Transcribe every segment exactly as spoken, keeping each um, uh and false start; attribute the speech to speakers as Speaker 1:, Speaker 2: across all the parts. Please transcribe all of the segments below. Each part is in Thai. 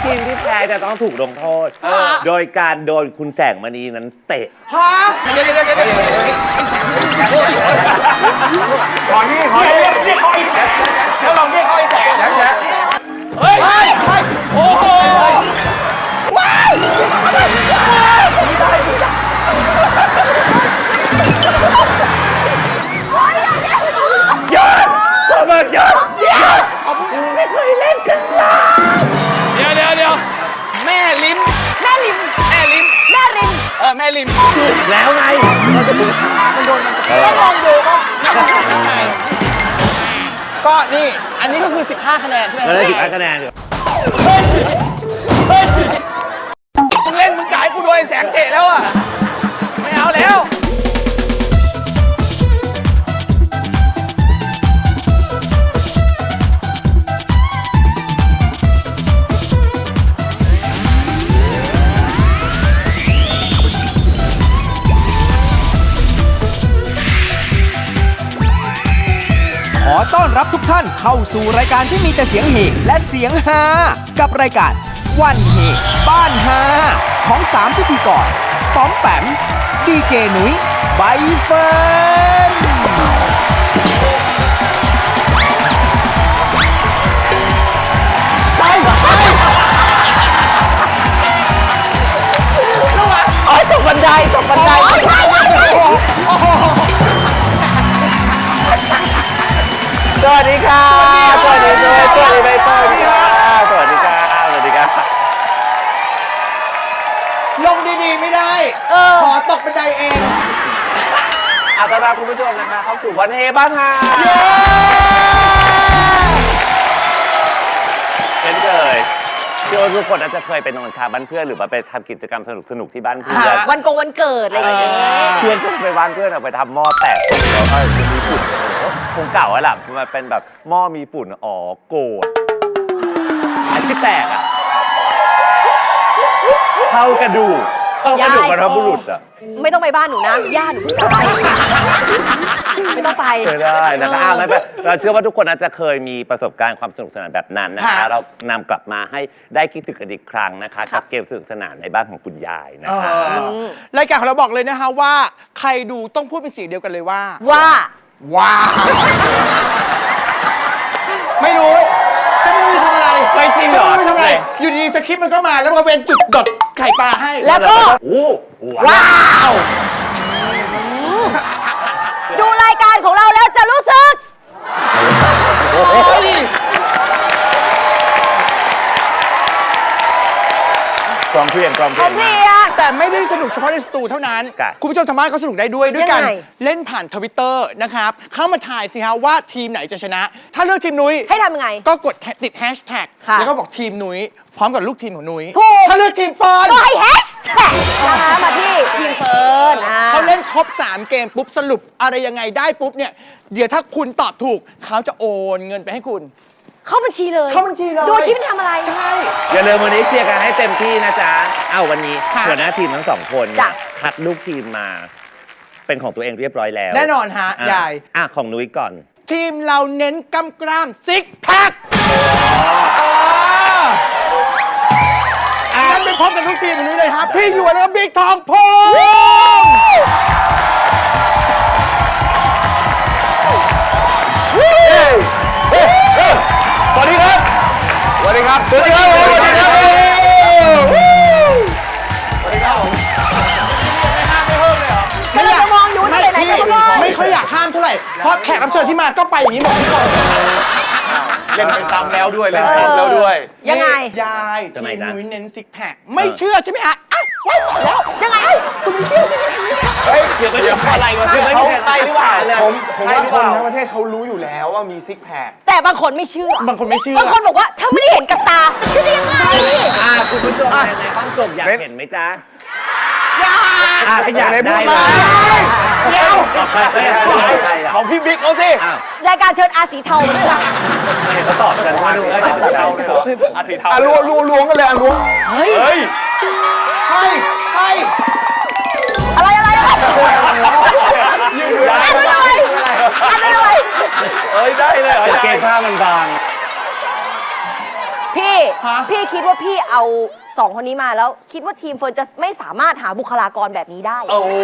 Speaker 1: ทีมที่แพ้จะต้องถูกลงโทษโดยการโดนคุณแสงมณีนั้นเตะ
Speaker 2: ฮะเดี๋ยวเดี๋ยวเดี๋ยวเดี๋ยวขอนี่ขอนี่เรียกเขาไอ้แสงแล้วลองเรียกเขาไอ้แสงแสงแสงเฮ้ยเฮ้ยโอ้โหว้าว
Speaker 1: ยอดขอบคุณยอดไม่เคยเล่นกันเลย
Speaker 2: เดี๋ยวเดี๋ยวเดี๋ยวแม่ลิ้ม
Speaker 3: แม่ริม
Speaker 2: แม่ลิ้ม
Speaker 3: แม่ริม
Speaker 2: เออแม่ลิ้ม
Speaker 1: ถูกแล้วไงเราจะดูมันโดนมันจะ
Speaker 3: ก็ลองดูก็
Speaker 2: ก็นี่อันนี้ก็คือสิบห้าคะแนนใช่ไหม
Speaker 1: เราได้สิบห้าคะแนน
Speaker 2: เฮ้ยเฮ้ยมึงเล่นมึงกายกูโดนแสงเตะแล้วอ่ะไม่เอาแล้ว
Speaker 4: ขอต้อนรับทุกท่านเข้าสู่รายการที่มีแต่เสียงเฮและเสียงฮากับรายการวันเฮบ้านฮาของสามพิธีกรป๋อมแปมดีเจหนุยใบเฟิร์นไปไป
Speaker 1: โอ้ยตกบันไดตกบันไดสวัสดีค่ะสวัสดีด้วยสวัสดีใบเฟิร์นสวัสดีค่ะสวัสดีค่ะ
Speaker 2: ลงดีๆไม่ได้ขอตกบันไดเอง
Speaker 1: อาต้อนรับคุณผู้ชมนะคะเข้าสู่วันเฮบ้านฮาเช่นเคยเชื่อว่าทุกคนอาจจะเคยไปนอนคาบ้านเพื่อนหรือว่าไปทำกิจกรรมสนุกๆที่บ้านเพื่อน
Speaker 3: วันกงวันเกิดอะไรอย่างเงี้ย
Speaker 1: เพื่อนชวนไปบ้านเพื่อนเอาไปทำหม้อแตกแล้วก็มีฝุ่นคงเก่าแล้วล่ะมันเป็นแบบหม้อมีฝุ่นอ๋อโกรธอันที่แตกอ่ะเท่ากระดูกเท่ากระดูกบรรพบุรุษอ่ะ
Speaker 3: ไม่ต้องไปบ้านหนูนะย่าหนูเพิ่งตายไม่ต้องไป
Speaker 1: เคยได้นะคะไม่ไปเราเชื่อว่าทุกคนอาจจะเคยมีประสบการณ์ความสนุกสนานแบบนั้นนะคะเรานำกลับมาให้ได้คิดถึงกันอีกครั้งนะคะกับเกมสนุกสนานในบ้านของคุณยายนะคะ
Speaker 2: รายการของเราบอกเลยนะคะว่าใครดูต้องพูดเป็นเสียงเดียวกันเลยว่า
Speaker 3: ว่า
Speaker 2: ว้าวไม่รู้ฉันไม่รู้ทำอะไร
Speaker 1: ไม่จริงเหรอ
Speaker 2: ฉันไม่รู้ทำอะไรอยู่ดีๆสคริปต์มันก็มาแล้วมันเป็นจุดดดไข่ปลาให้
Speaker 3: แล้วก็
Speaker 1: ว้าว
Speaker 3: ดูรายการของเราแล้วจะรู้สึก
Speaker 1: กองเพียงกองเพียง
Speaker 2: แต่ไม่ได้สนุกเฉพาะในสตูเท่านั้นคุณผู้ชมทางบ้านก็สนุกได้ด้วยด้วยกันเล่นผ่านทวิตเตอร์นะครับเข้ามาถ่ายสิฮะว่าทีมไหนจะชนะถ้าเลือกทีมนุ้ย
Speaker 3: ให้ทำยังไง
Speaker 2: ก็กดติดแฮชแท็กแล้วก็บอกทีมนุ้ยพร้อมกับลูกทีมของนุ้ย
Speaker 3: ถ้
Speaker 2: าเลือกทีมเฟิร์น
Speaker 3: ก็ให้แฮชแท็กนะคะมาที่ทีมเฟิร์น
Speaker 2: เขาเล่นครบสามเกมปุ๊บสรุปอะไรยังไงได้ปุ๊บเนี่ยเดี๋ยวถ้าคุณตอบถูกเขาจะโอนเงินไปให้คุณ
Speaker 3: เข้าบัญชีเลย
Speaker 2: เข้าบัญชีเลย
Speaker 3: โดยที่ไม่ทำอะไร
Speaker 2: ใช่
Speaker 1: อย่าลืมวันนี้เชียร์กันให้เต็มที่นะจ๊ะเอ้าวันนี้หัวหน้าทีมทั้งสองคนคัดลูกทีมมาเป็นของตัวเองเรียบร้อยแล้ว
Speaker 2: แน่นอนฮะยาย
Speaker 1: อ่ะของนุ้ยก่อน
Speaker 2: ทีมเราเน้นกำกล้ามซิกแพคงั้นไปพบกับลูกทีมของนุ้ยเลยครับพี่หยวนและบิ๊กทองพงษ์สวัสดีครับสวัสดีครับสวัสดีครับสวัสดีครับสวัสดีครับ
Speaker 3: ไม่อยากมองอยู่ที่ไหนก็ได้
Speaker 2: ไม่ค่อยอยากห้ามเท่าไหร่เพราะแขกรับเชิญที่มาก็ไปอย่างนี้หมดทุกคน
Speaker 5: เล่นไปซ้ำแล้วด้วยเล่นซ้ำแล้วด้วย
Speaker 3: ยังไง
Speaker 2: ยายทีมนุ้ยเน้นซิกแพคไม่เชื่อใช่ไหมฮะอ้าวแล้ว
Speaker 3: ยังไง
Speaker 2: คุณไม่เชื่อใช่ไหม
Speaker 1: เฮ้ยเดี๋ยวไปเดี๋ยวอะไรวะคือไม่ใช่หรือเปล่า
Speaker 5: ผมผมว่าคนทั้งประเทศเขารู้อยู่แล้วว่ามีซิกแพค
Speaker 3: แต่บางคนไม่เชื่อบ
Speaker 2: างคนไม่เชื่อบ
Speaker 3: างคนบอกว่าถ้าไม่ได้เห็นกับตาจะเชื่อได้ยังไง
Speaker 1: อ่าคุณผู้ชมในห้องส่งอยากเห็นไหมจ๊ะ
Speaker 2: อยาก
Speaker 1: อยากได้
Speaker 2: เดี๋ยว
Speaker 5: ของพี่บิ๊กเขาสิ
Speaker 3: รายการเชิญอาสีเทามาด้วยล่ะ
Speaker 1: เขาตอบฉันว่าดูอาสีเทา
Speaker 5: อาสีเทา
Speaker 2: อ่ะล้วงล้วงกันเลยอ่ะล้วง
Speaker 3: เฮ้ย
Speaker 5: เฮ้ย
Speaker 2: ให้ให้
Speaker 3: อะไรอะไรอะไร
Speaker 2: ยืนอยู่ได้
Speaker 3: อะไรอะไรอะไร
Speaker 5: เอ้ยได้เลยเหรอ
Speaker 1: เกมผ้ามันบาง
Speaker 3: พี่
Speaker 2: ฮะ
Speaker 3: พี่คิดว่าพี่เอาสองคนนี้มาแล้ว คิดว่าทีมเฟิร์นจะไม่สามารถหาบุคลากรแบบนี้ได้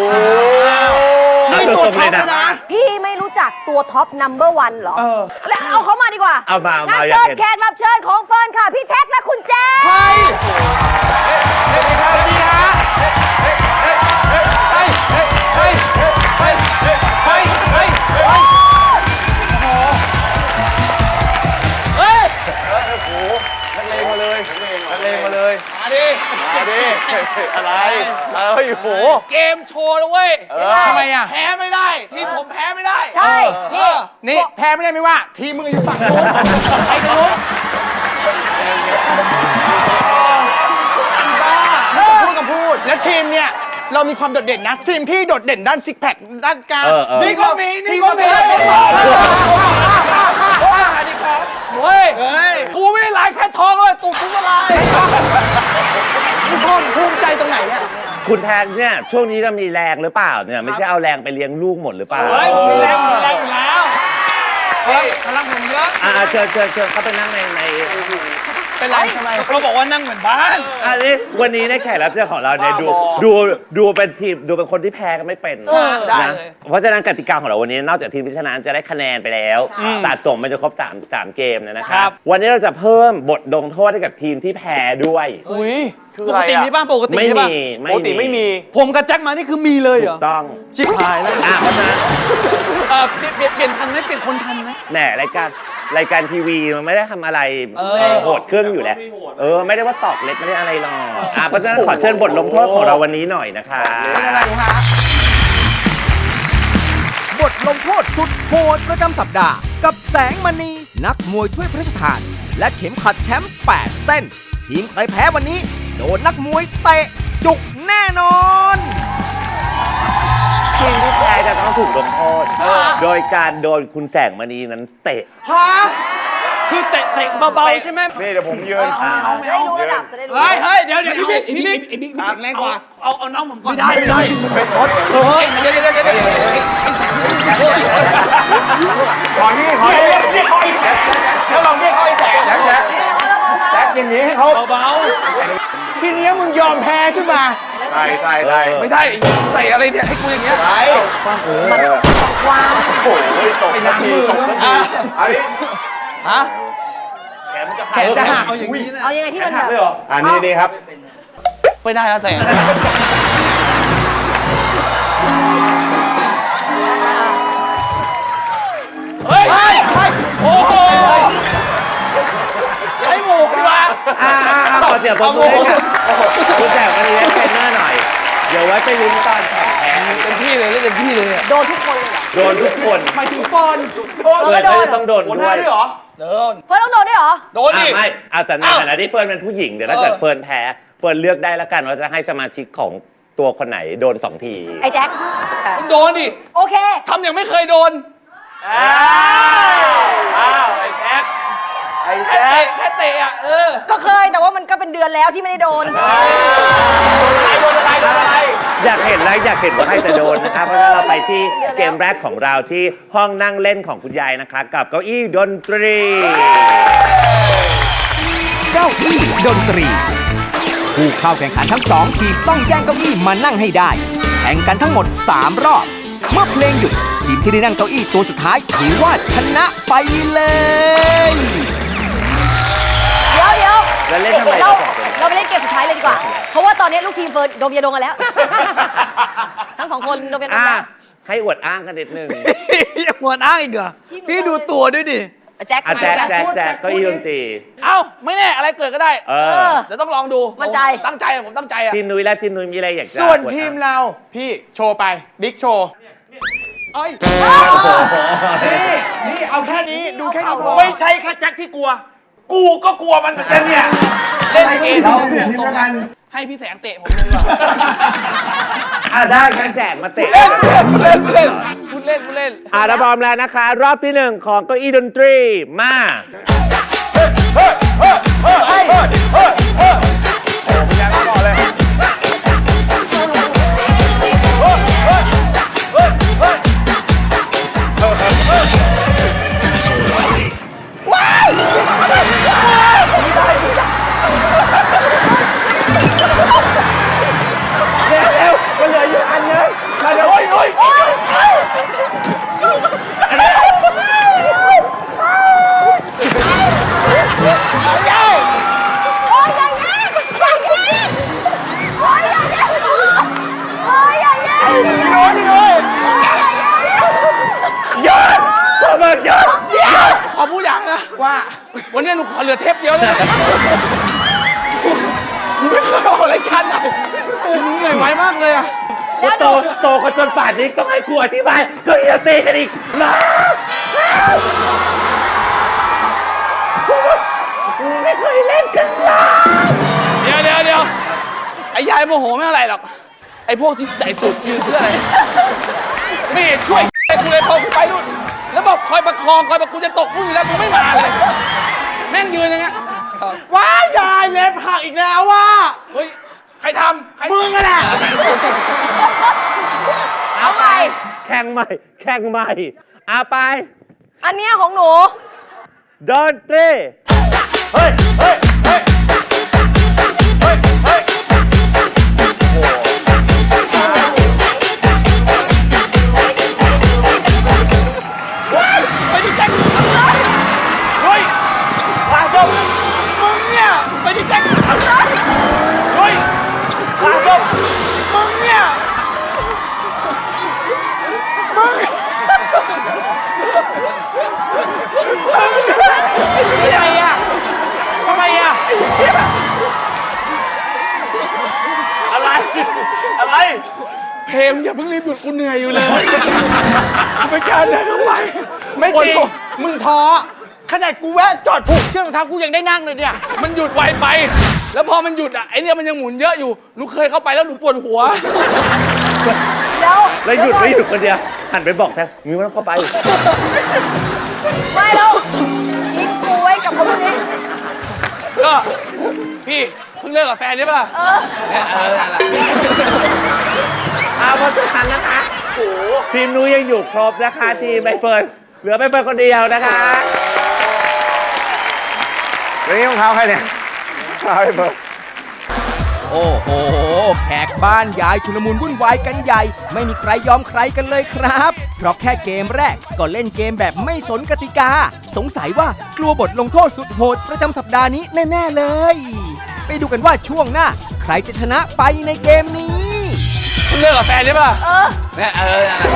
Speaker 2: นี่ตัวท็อปเลยนะ
Speaker 3: พี่ไม่รู้จักตัวท็อปนัมเบอร์วันเหรอ
Speaker 2: เออ
Speaker 3: แล้วเอาเขามาดีกว่า
Speaker 1: เอามาเอามา
Speaker 3: งั้น
Speaker 1: อยาก
Speaker 3: เชิญ
Speaker 1: เห็น
Speaker 3: แขกรับเชิญของเฟิร์นค่ะ พี่แท็กและคุณแจ๊ค
Speaker 2: ใครสวัสดีครับสวัสดีฮะเฮ้ยเฮ้ยเฮ้ยเฮ้ยเฮ้ยเฮ้ยเฮ้ยโอ้โหเฮ้ย
Speaker 5: โอ้โหนักเลงมาเลยนักเลงมาเลย
Speaker 2: มาดิ
Speaker 5: มาดิอะไรอะไรโอ้โห
Speaker 6: เกมโชว์นะเว้ย
Speaker 2: ทำไมอ่ะ
Speaker 6: แพ้ไม่ได้ ทีมผมแพ้ไม่ได้
Speaker 3: ใช่ นี่
Speaker 2: นี่แพ้ไม่ได้ไม่ว่า ทีมมึงอยู่ฝั่งนู้นไปทางนู้นบ้าพูดกับพูด แล้วทีมเนี่ย เรามีความโดดเด่นนะ ทีมพี่โดดเด่นด้านซิกแพคด้านกลาง
Speaker 1: เออเออ
Speaker 2: นี่ก็มีนี่ก็มี
Speaker 6: เฮ้ย กูไม่ได้ลายแค่ท้องเลยตุกกูก็ลาย
Speaker 2: ทุกคนภูมิใจตรงไหนเนี่ย
Speaker 1: คุณแทนเนี่ยช่วงนี้จะมีแรงหรือเปล่าเนี่ยไม่ใช่เอาแรงไปเลี้ยงลูกหมดหรือเปล่า
Speaker 6: เฮ้ยผมมีแรงผมมีแรงอยู่แล้ว เฮ้ยพลังผมเยอะ
Speaker 1: อ่าเชิญเชิญเชิญเข้าไปนั่งในใน
Speaker 2: เป็นไรทำไม
Speaker 6: เขาบอกว่านั่งเหมือนบ้าน
Speaker 1: อันนี้วันนี้ในแขกรับเชิญของเราเนี่ยดูดูดูเป็นทีมดูเป็นคนที่แพ้กันไม่เป็น
Speaker 6: ได้
Speaker 1: นะ
Speaker 6: เลย
Speaker 1: เพราะฉะนั้นกติกาของเราวันนี้นอกจากทีมที่ชนะจะได้คะแนนไปแล้วตัดส่งมันจะครบสามสามเกมเนยนะค
Speaker 6: ครั
Speaker 1: รับบ วันนี้เราจะเพิ่มบทลงโทษให้กับทีมที่แพ้ด้วย
Speaker 2: อุ้ย
Speaker 5: คือ
Speaker 6: ป
Speaker 5: อะไร
Speaker 6: กติ
Speaker 5: อ่ะ
Speaker 6: มีบ้างปกติ
Speaker 1: ไม่
Speaker 6: มีบ้าง
Speaker 1: มี
Speaker 5: ปกติไม่มี
Speaker 6: ผมกับแจ็คมานี่คือมีเลยเหร
Speaker 1: ถู
Speaker 6: อ
Speaker 1: กต้อง
Speaker 6: ชิบหายแล้ว
Speaker 1: อ่ะเพราะฉะนั้น
Speaker 6: เออเปลี่ยนเปลี่ยนเปลี่ยนทันไหมเปลี่ยนคนทันไหม
Speaker 1: แหน่รายการรายการทีวีมันไม่ได้ทำอะไรโหดเครื่องอยู่แล้วเออไม่ได้ว่าตอกเล็กไม่ได้อะไรหรอกอ่ะเพราะฉะนั้นขอเชิญบทลงโทษของเราวันนี้หน่อยนะคะ
Speaker 2: เป็นอะไรฮะ
Speaker 4: บทลงโทษสุดโหดประจำสัปดาห์ กับแสงมณี นักมวยถ้วยพระราชทาน และเข็มขัดแชมป์แปดเส้น ทีมใครแพ้วันนี้ โดนนักมวยเตะจุกแน่นอน
Speaker 1: ทีมที่แพ้จะต้องถูกลงโทษโดยการโดนคุณแสงมณีนั้นเตะ
Speaker 2: ฮะ
Speaker 6: คือเตะเตะเบาๆใช่ไหม
Speaker 5: นี่เดี๋ยวผมยืน
Speaker 3: เอาเอาจะได้รู้ระดับจะได้รู้
Speaker 6: เฮ้ยเฮ้ยเดี๋ยวเดี๋ยวพี่บิ๊กพี่บิ๊กพี่บิ๊กพี่แข็งแรงกว่า เอาเอาน้องผมก่อน ไม่ได้ไม่ได้เฮ้ยเดี๋ยวเดี๋ยวเดี๋ยวเดี๋ยว
Speaker 5: ขอนี่ขอนี่เรียกเขาไอ้แสงแล้วลองเรียกเขาไอ้แสงแสงแสงแสงอย่างนี้ให้เขา
Speaker 6: เบา
Speaker 2: ทีนี้มึงยอมแพ้ขึ้นมา
Speaker 5: ใส่ใส่ใส่
Speaker 6: ๆไม่ใช่ใส่อะไรเนี่ยให้กูอย่างเงี้ย
Speaker 5: ใส่
Speaker 3: วาง
Speaker 5: โอ้ยตกน้ำมืออ่ะอันนี้
Speaker 6: ฮะ
Speaker 2: แขนจะหัก
Speaker 6: เอาอย่างนี้นะ
Speaker 3: เอายังไงที่มันแบบ
Speaker 5: อันนี้นี่ครับ
Speaker 6: ไม่ได้แล้วแต่ เฮ้ย โอ้โหอย่าให้หมูดีกว่า
Speaker 1: อ่าขอเสียงปรบมือให้กับคุณแสงมณีและเทรนเนอร์หน่อย เดี๋ยวไว้ไปลุ้นตอนแข่งแพ้
Speaker 6: เต็มที่เลยเล่นเต็มที่เลยอะ
Speaker 3: โดนทุกคนเลยเหรอ
Speaker 1: โดนทุกคน
Speaker 2: หมายถึงฟอน
Speaker 3: เออ
Speaker 1: เฟิร์น
Speaker 3: ก็โด
Speaker 1: ก็
Speaker 3: น
Speaker 1: จะต้องโดน
Speaker 6: โดน
Speaker 1: ด้
Speaker 6: ได้
Speaker 1: วย
Speaker 6: ด้วยเหรอเดิน
Speaker 3: เฟิร์นต้องโดนด้วยเหรอ
Speaker 6: โดน
Speaker 1: อ่ะ
Speaker 6: ดิ
Speaker 1: ไม่เอาแต่ในฐานะที่เฟิร์นเป็นผู้หญิงเดี๋ยวถ้าเกิดเฟิร์นแพ้เฟิร์นเลือกได้แล้วกันว่าจะให้สมาชิกของตัวคนไหนโดนสองที
Speaker 3: ไอ้แจ็ค
Speaker 6: คุณโดนดิ
Speaker 3: โอเค
Speaker 6: ทำอย่างไม่เคยโดน อ้าว ไอ้แท็กไอ้แท็กแค่เตะอ่ะ เออ
Speaker 3: ก็เคยแต่ว่ามันก็เป็นเดือนแล้วที่ไม่ได้โดน
Speaker 6: โดนอะไรโดนอะไร
Speaker 1: อยากเห็นแล้วอยากเห็นว่าใครจะโดนนะครับเพราะฉะนั้นเราไปที่เกมแรกของเราที่ห้องนั่งเล่นของคุณยายนะคะกับเก้าอี้ดนตรี
Speaker 4: เก้าอี้ดนตรี ผู้เข้าแข่งขันทั้งสองทีมต้องแย่งเก้าอี้มานั่งให้ได้ แข่งกันทั้งหมดสามรอบ เมื่อเพลงหยุด ทีมที่ได้นั่งเก้าอี้ตัวสุดท้ายถือว่าชนะไปเลย
Speaker 3: เดี๋ยวเดี๋ยว
Speaker 1: แล้วเล่นทำไม
Speaker 3: เรา
Speaker 1: เราสองคน
Speaker 3: เราไปเล่นเกมสุดท้ายเลยดีกว่า เพราะว่าตอนนี้ลูกทีมเฟิร์นดมยาดมกันแล้ว ทั้งสองคนดมยาดม
Speaker 1: อ่ะ
Speaker 3: แล้ว
Speaker 1: ให้อวดอ้างกันนิดนึง
Speaker 6: ยังหัวอ้างอีกเหรอ พี่ดูตัวด้วยดิ
Speaker 3: แจ็ค
Speaker 1: อ่ะแจ๊ก
Speaker 3: มา
Speaker 1: แจ๊กแจ๊กเก้าอี้ดนตรี
Speaker 6: เอ้า ไม่แน่ อะไรเกิดก็ได้
Speaker 1: เอ
Speaker 3: เอ
Speaker 1: อ
Speaker 3: อ
Speaker 6: เดี๋ยวต้องลองดู
Speaker 3: มั่นใจ
Speaker 6: ผมตั้งใจอะผมตั้งใจอะ
Speaker 1: ทีมนุ้ยและทีมนุ้ยมีอะไรอยากจะ
Speaker 2: ส่วน
Speaker 1: อดอ้าง
Speaker 2: ทีมเรา พี่โชว์ไป บิ๊กโชว์เอ้ย นี่ นี่เอาแค่นี้ ดูแค่นี้พอ
Speaker 6: ไม่ใช่แค่แจ็คที่กลัว กูก็กลัวมันเหมือนกันเนี่ย เล่นเกม
Speaker 5: เราเปลี่ยนทีมแล้วกัน
Speaker 6: ให้พี่แสงเตะผมเลยดีกว่า
Speaker 1: อ่ะได้งั้นแจกมาเตะ
Speaker 6: เล่นเล่นเล่นพูดเล่นพูดเล่น
Speaker 1: อ่ะเราพร้อมแล้วนะคะ รอบที่หนึ่งของเก้าอี้ดนตรีมา
Speaker 6: ไวันนี้หนูขอเหลือเทปเดียวเลยหนูไม่เคยออกรายการไหนโอ้หนูเหนื่อยไหวมากเลยอะ
Speaker 3: แล้วห
Speaker 1: โต
Speaker 3: นู
Speaker 1: โตกันจนป่านนี้ต้องให้กูอธิบายก็อย่าตีกันอีกนะกูไม่เคยเล่นกันนะ
Speaker 6: เดี๋ยวเดี๋ยวเดี๋ยวไอ้ยายโมโหไม่เท่าไหร่หรอกไอ้พวกที่ใส่สูตรยืนเพื่ออะไรไม่เห็นช่วยกูเลยพอกูไปนู่นแล้วบอกคอยประคองคอยประกูจะตกนู่นอยู่แล้วกูไม่มาเลยแม่งยืนอย่างเงี้ย
Speaker 2: ว้ายยายเล็บหักอีกแล้วว่ะ
Speaker 6: เฮ้ยใครทำใคร
Speaker 2: มึงอะแหละ
Speaker 3: เอาไป
Speaker 1: แข่งใหม่ แข่งใหม่อาไป
Speaker 3: อันเนี้ยของหนู
Speaker 1: ดนตรีเฮ้ย เฮ้ย เฮ้ย เฮ้ย เฮ้ย
Speaker 6: ไปดิแจ็คเฮ้ยพาดมมึงเนี่ยไปดิแจ็คเฮ้ยพาดมมึงเนี่ยมึงทำไมอ่ะทำไมอ่ะอะไร อะไร เพลงอย่าเพิ่งรีบหยุดกูเหนื่อยอยู่เลยไม่กล้าเดินเข้าไป
Speaker 2: ไม่จริงมึงท้อขนาดกูแวะจอดผูกเชือกรองเท้ากูยังได้นั่งเลยเนี่ย
Speaker 6: มันหยุดไวไป แล้วพอมันหยุดอ่ะไอเนี่ยมันยังหมุนเยอะอยู่ หนูเคยเข้าไปแล้วหนูปวดหัว
Speaker 3: แล้ว
Speaker 1: แล้วหยุดไม่หยุดคนเดียว หันไปบอกแทนมีมันเข้าไป
Speaker 3: ไม่แล้วทิ้งกูไว้กับคนพวกนี้
Speaker 6: ก็พี่เพิ่งเลิกกับแฟนใช่ปะล่ะ
Speaker 3: เออ
Speaker 6: เนี่ยเออนั่นแหละ
Speaker 1: เอาเพราะฉะนั้นนะคะทีมนู้นยังอยู่ครบนะคะ ทีมใบเฟิร์นเหลือใบเฟิร์นคนเดียวนะคะ
Speaker 5: แล้วนี่รองเท้าใครเนี่ยรองเท้าไอ้เบิร์ด
Speaker 4: โอ้โห แขกบ้านยายชุลมุนวุ่นวายกันใหญ่ ไม่มีใครยอมใครกันเลยครับ เพราะแค่เกมแรกก็เล่นเกมแบบไม่สนกติกา สงสัยว่ากลัวบทลงโทษสุดโหดประจำสัปดาห์นี้แน่ ๆ เลย ไปดูกันว่าช่วงหน้า ใครจะชนะไปในเกมนี้
Speaker 6: เพิ่งเลิกกับแฟนใช่ปะล่ะ
Speaker 3: เออ
Speaker 6: เนี่ยเออนั่นแหละ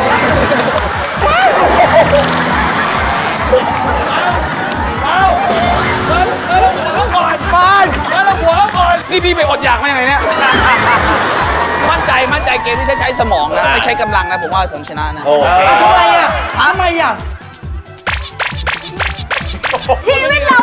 Speaker 6: เอาเดินเดินหัวก่อน
Speaker 2: ฟาน
Speaker 6: เดินหัวก่อนนี่พี่ไปอดอยากมาอย่างไรเนี่ย มั่นใจมั่นใจเกมที่จะใช้สมองนะ ไม่ใช้กำลังนะ ผมว่าผมชนะนะ
Speaker 1: โอเค
Speaker 2: ทำไมอ่ะทำไมอ่ะ
Speaker 3: ชีวิตเรา